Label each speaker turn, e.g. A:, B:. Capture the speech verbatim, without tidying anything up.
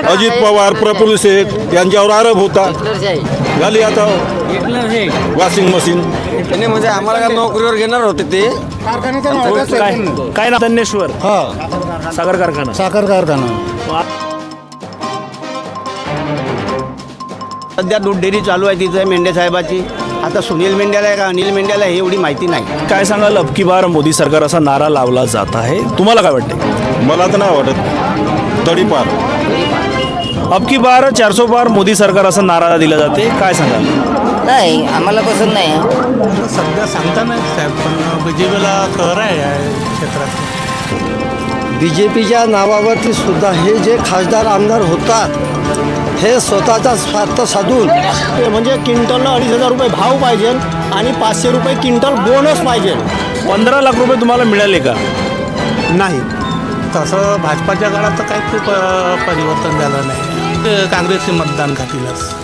A: अजित पवार, प्रफुल्ल शेख यांच्यावर आरोप होता. झाली आता वॉशिंग मशीन.
B: नाही म्हणजे आम्हाला काय नोकरीवर घेणार होते ते.
C: काय काय ना धन्येश्वर
D: हा
C: साखर कारखाना.
D: साखर कारखाना.
B: सध्या दूध डेअरी चालू आहे तिथे मेंढे साहेबाची. आता सुनील मेंढ्याला आहे का अनिल मेंढ्याला हे एवढी माहिती नाही.
C: काय सांगाल, अब की बार मोदी सरकार असा नारा लावला जात आहे, तुम्हाला काय वाटते?
A: मला तर नाही वाटत तडीपार.
C: अब की बार चारसो पार मोदी सरकार असा नारा दिला जाते, काय सांगाल?
E: नाही, आम्हाला पसंत नाही.
D: सध्या सांगता नाही साहेब, पण बीजेपीला खरं आहे या क्षेत्रात.
F: बी जे पीच्या नावावरती सुद्धा हे जे खासदार आमदार होतात हे स्वतःचा स्वार्थ साधून म्हणजे क्विंटलला अडीच हजार रुपये भाव पाहिजे आणि पाचशे रुपये क्विंटल बोनस पाहिजे.
C: पंधरा लाख रुपये तुम्हाला मिळाले का?
D: नाही, तसं भाजपाच्या काळात तर काही प परिवर्तन झालं नाही. काँग्रेसचे मतदान खातीलच.